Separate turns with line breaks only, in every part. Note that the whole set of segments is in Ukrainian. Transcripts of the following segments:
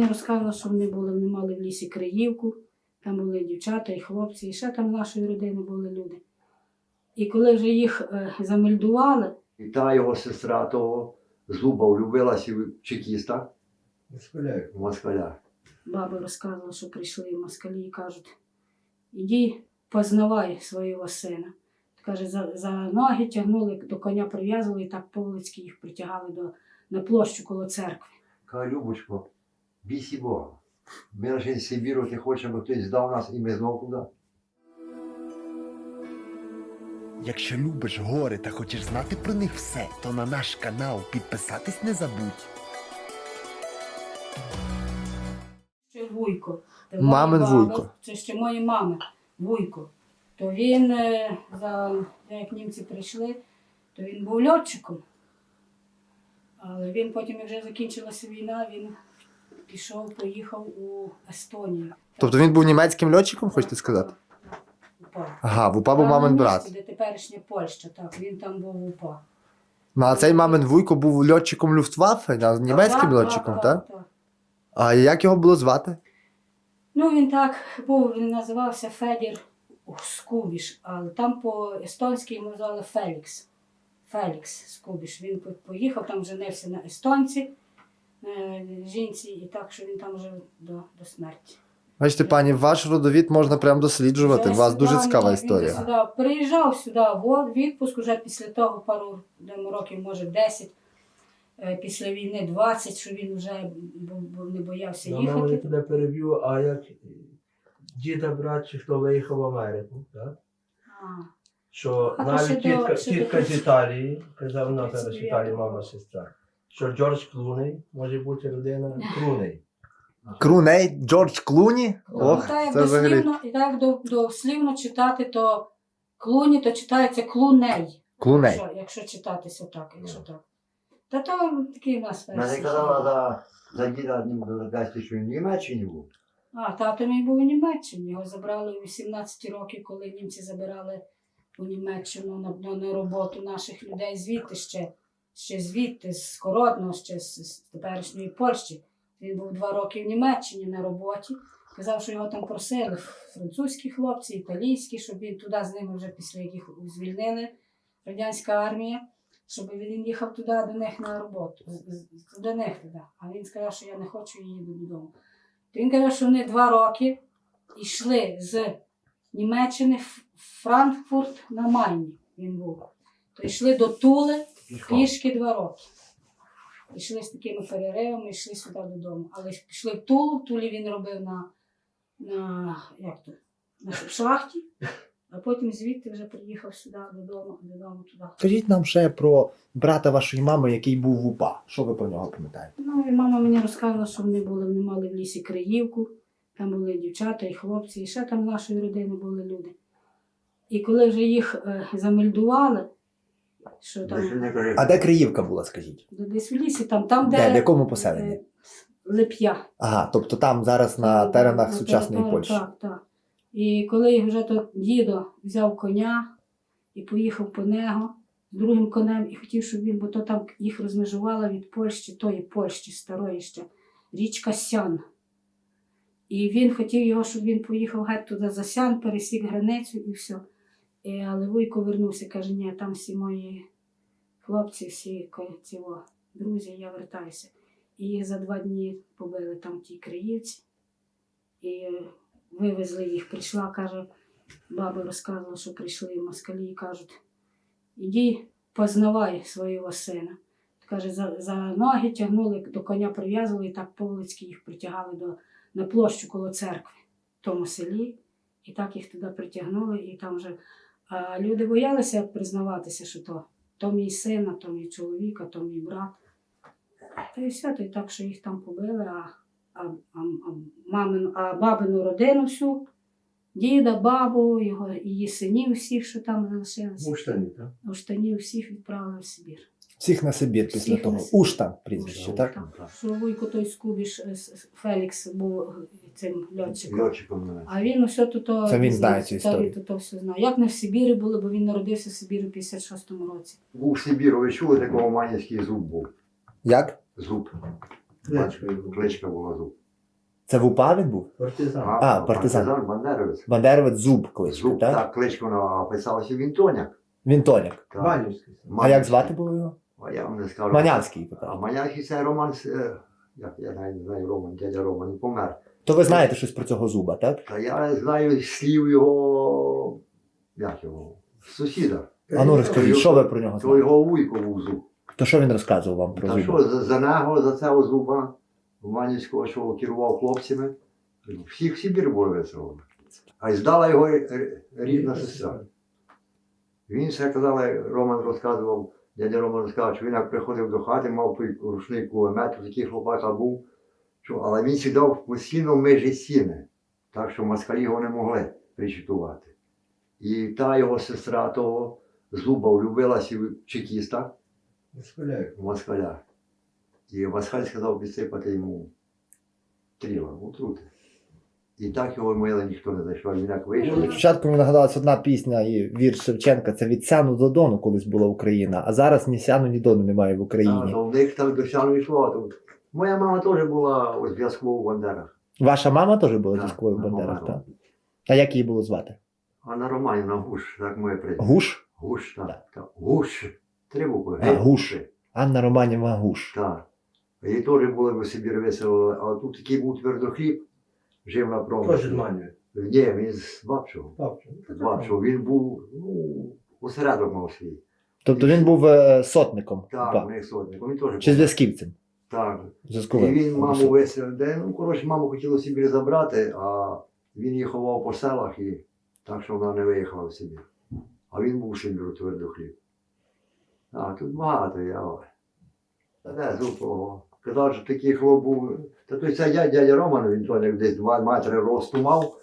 мені розказувала, що вони мали в лісі Криївку, там були дівчата і хлопці, і ще там з нашої родини були люди. І коли вже їх замельдували...
І та його сестра того Зуба влюбилася в чекіста. В москаля.
Баба розказувала, що прийшли москалі і кажуть, іди познавай свого сина. Каже, за ноги тягнули, до коня прив'язували і так по-вулицьки їх притягали на площу коло церкви.
Каже, Любочко, бійся Бога. Ми лише з Сибіру, ти хочеш, аби хтось здав нас і ми знову туди.
Якщо любиш гори та хочеш знати про них все, то на наш канал підписатись не забудь.
Ще Вуйко.
Мамин Вуйко.
Це ще мої мами, Вуйко. То він, як німці прийшли, то він був льотчиком. Але він потім, як вже закінчилася війна, він поїхав у Естонію.
Тобто він був німецьким льотчиком, хочете сказати?
УПА.
Ага, в УПА був мамин брат.
Де теперішня Польща, так, він там був в УПА.
Ну, а цей мамин Вуйко був льотчиком Люфтваффе, німецьким льотчиком, так? А як його було звати?
Ну, він так був, він називався Федір Скубіш, але там по-естонськи йому звали Фелікс. Фелікс Скубіш. Він поїхав, там женився на естонці, жінці, і так, що він там жив до смерті.
Бачите, пані, ваш родовід можна прямо досліджувати, у вас дуже цікава історія.
Він приїжджав сюди в відпуск, вже після того пару років, може 10, після війни 20, що він вже не боявся їхати.
Мама, я тебе переб'ю, а як діда брат, чи хто виїхав в Америку, так? Що навіть тітка з Італії, казав вона зараз в Італії, мама, сестра, що Джордж Клуней може бути людина Клуней.
Клуней, Джордж Клуні? Ох, це взагалі.
І так дослівно читати, то Клуні, то читається Клуней.
Клуней.
Якщо читатися так, якщо так. Та то такий у нас
Мене
версія.
казала за діда, що він в Німеччині був.
Тато мій був у Німеччині. Його забрали у 18 років, коли німці забирали у Німеччину на роботу наших людей звідти ще звідти, з Скородного, ще з теперішньої Польщі. Він був 2 роки в Німеччині на роботі. Казав, що його там просили французькі хлопці, італійські, щоб він туди з ними вже після яких звільнили радянська армія, щоб він їхав туди до них на роботу. До них туди. А він сказав, що я не хочу і їду додому. Він каже, що вони 2 роки йшли з Німеччини в Франкфурт на Майні. Він був. То йшли до Тули пішки 2 роки. Йшли з такими переривами, йшли сюди додому. Але пішли в Тулу, в Тулі він робив на шахті, а потім звідти вже приїхав сюди додому туди.
Скажіть нам ще про брата вашої мами, який був в УПА. Що ви про нього пам'ятаєте?
Ну, і мама мені розказувала, що вони мали в лісі Криївку, там були дівчата і хлопці, і ще там з нашої родини були люди. І коли вже їх замельдували, що там...
А де Криївка була, скажіть?
Десь в лісі, там де...
Де, в якому поселенні?
Лип'я.
Ага, тобто там зараз на теренах сучасної Польщі.
Так, так. І коли вже то дідо взяв коня і поїхав по нього з другим конем і хотів, щоб він, бо то там їх розмежувала від Польщі, тої Польщі старої ще, річка Сян. І він хотів його, щоб він поїхав геть туди за Сян, пересік границю і все. Але Вуйко вернувся, каже, ні, там всі мої хлопці, всі друзі, я вертаюся. І їх за 2 дні побили там ті Криївці. І вивезли їх. Прийшла, каже, баба розказувала, що прийшли москалі і кажуть, іди познавай свого сина. Каже, за ноги тягнули, до коня прив'язували і так по-вулицьки їх притягали на площу коло церкви в тому селі. І так їх туди притягнули. І там вже люди боялися признаватися, що то мій син, а то мій чоловік, а то мій брат. Та і все, то і так, що їх там побили, а бабину родину всю, діда, бабу, її синів всіх, що там залишилися.
Уштані, так?
Уштанів всіх відправили в Сибір.
Всіх на Сибір після
Всіх
того.
на Сибір.
Уштан прізвище, так?
Що Вуйко той Скубіш, Фелікс був цим льотчиком.
Льотчиком.
А він усе тут...
Це він знає цю історію.
Він все знає. Як не в Сибірі було, бо він народився в Сибірі в 56-му році.
Був в Сибіру, ви чули, такого манівський зуб був?
Як?
Зуб.
Кличка.
Кличка була Зуб.
Це в УПА він був?
Партизан.
партизан.
Бандеровець.
Бандеровець Зуб кличка,
Зуб,
так?
так, кличку писалося Вінтоняк.
Він Тоняк.
Так.
Манівський.
А як звати було його?
А я вам не скажу.
Манявський.
А
покажу.
Манявський це Роман, я навіть не знаю, Роман, дядя Роман, він помер.
То ви знаєте щось про цього Зуба, так?
Та я знаю слів його, як його, сусіда.
А ну розкажіть, що ви про нього
То
знаєте?
його вуйко був Зуб.
То що він розказував вам про
Та
Зуба?
що, за нього, за цього Зуба, Манівського, що керував хлопцями, всіх в Сибір було весело. А й здала його рідна сестра. Він все казав, Роман розказував, дядя Роман розказав, що він як приходив до хати, мав той рушний кулемет, такий хлопака був, що, але він сідав постійно в межі стіни, так що москалі його не могли причутувати. І та його сестра того Зуба влюбилася в чекіста,
Схиляю.
в москаля. І москаль сказав підсипати йому тріла, отрути. І так його мили, ніхто не знайшов, він як вийшов.
Спочатку мені нагадалась одна пісня і вірш Шевченка, це від Сяну до Дону колись була Україна, а зараз ні Сяну, ні Дону немає в
А,
Україні.
то в них так до сяну йшло. То... Моя мама теж була у зв'язку у Бандерах.
Ваша мама теж була
Так,
військовою в
моя
Бандерах,
мама.
так? А як її було звати?
Анна Романівна Гуш, так моє прізвище.
Гуш?
Гуш, так.
Так.
так. Гуш. 3 букви.
А, Гуш. Анна Романівна Гуш.
Так. Їй теж були в Сибір весело, але тут такий був твердохліб, жив на
Теж з
промислі.
Манівський.
Ні, він з Бабчого.
Папче.
З Бабчого. Він був, осередок мав свій.
Тобто він був сотником.
Так,
УПА.
у них сотник. Він теж
Чи
був.
зв'язківцем?
Так. І
Зв'язковим.
він маму весело, коротше, маму хотіло в Сибір забрати, а він її ховав по селах, і так що вона не виїхала в Сибір. А він був в Сибіру твердохліб. А тут багато я. Та не, Зуб, казав, що такий хлоп був. Та той це дядя Роман, він то як десь 2 метри росту мав.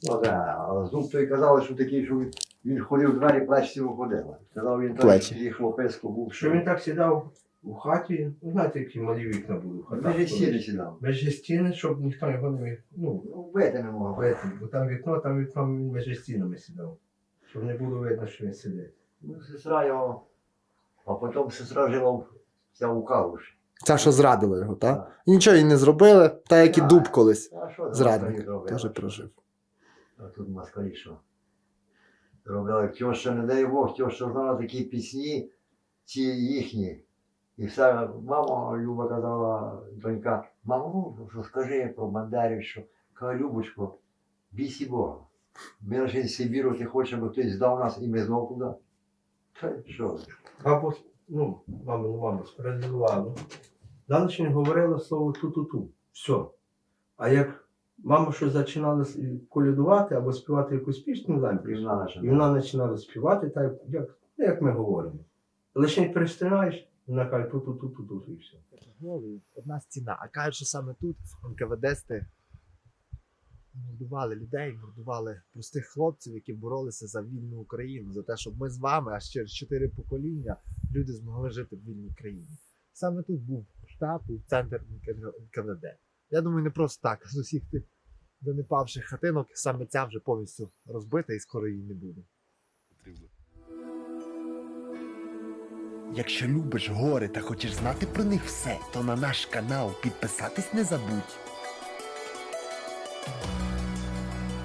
А Зуб той казав, що такий, що він ходив в двері, плечці виходила. Казав, він
Плечі.
такий хлопесько був,
Що він так сідав у хаті, ну знаєте, які малі вікна були в хатах.
Межі стіни сідав.
Межі стіни, щоб ніхто його не міг, ну,
Вбити не мог.
вийти. Бо там вікно, він межі стінами сідав. Щоб не було видно, що він сидить.
Ну, сестра його, а потім сестра жила у Калуші.
Ця, що зрадила його, так? І нічого їй не зробили, так як і
Так.
Дуб колись.
А що
Зрадник. Теж прожив.
А тут москалі що? Робили тьоща, не дай Бог, тьоща знала такі пісні, ці їхні. І все, мама Люба казала, донька, мамо, ну, що скажи про Бандерів, що, каже, Любочко, бійся Бога. Ми лише з Сибіру, ти хочеш, аби хтось здав нас і ми знову туди. Та що?
Або, ну, мама спередувала. Далі говорила слово ту-ту-ту. Все. А як мама щось починала колядувати або співати якусь пісню, не знаю, і вона починала співати, так як ми говоримо. Лише перестинаєш, вона каже ту-ту-ту-ту-ту і все.
Одна стіна. А кажуть, що саме тут НКВДсти мордували людей, мордували простих хлопців, які боролися за вільну Україну, за те, щоб ми з вами, аж через 4 покоління, люди змогли жити в вільній країні. Саме тут був штаб, був центр НКВД. Я думаю, не просто так. З усіх тих донепавших хатинок саме ця вже повністю розбита і скоро її не буде. Якщо любиш гори та хочеш знати про них все, то на наш канал підписатись не забудь.